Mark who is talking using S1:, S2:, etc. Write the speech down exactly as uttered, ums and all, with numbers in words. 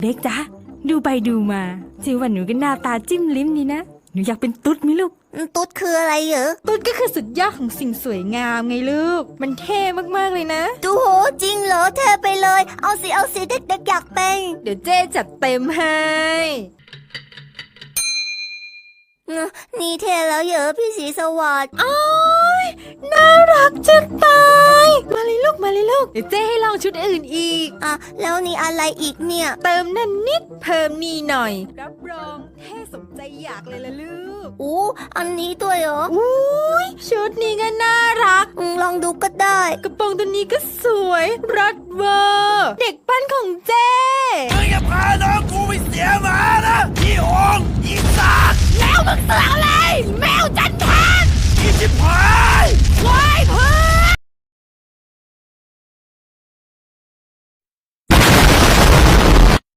S1: เด็กจ๊ะดูไปดูมาจิวันหนูก็หน้าตาจิ้มลิ้มดีนะหนูอยากเป็นตุ๊ดไหมลูก
S2: ตุ๊ดคืออะไรเหรอ
S1: ตุ๊ดก็คือสุดยอดของสิ่งสวยงามไงลูกมันเท่มากๆเลยนะ
S2: ดูโหจริงเหรอเธอไปเลยเอาสิเอาสิเด็กๆอยากเป็น
S1: เดี๋ยวเจ๊จัดเต็มให้
S2: นี่เท่แล้วเหรอพี่สีสวัสดิ์
S1: อ้อยน่ารักจะตายมาเลยลูกมาเลยลูกเดี๋ยวเจ๊ให้ลองชุดอื่นอีก
S2: อ่ะแล้วนี่อะไรอีกเนี่ย
S1: เติมนั่นนิดเพิ่มนี่หน่อยรับรองเท่สมใจอยากเลยล่ะลูก
S2: อู้อันนี้ด้วยเหรอ
S1: อุ้ยชุดนี้ก็น่ารัก
S2: ลองดูก็ได้
S1: กระโปรงตัวนี้ก็สวยรัดเวอร์เด็กปั้นของเจ๊
S3: มึงอย่าพาน้องกูไปเสียหมานะอีหงอีสัตว์
S1: แล้วมึงเสือกอะไรแมวจันทาน
S3: อีชิบหาย
S1: ว้า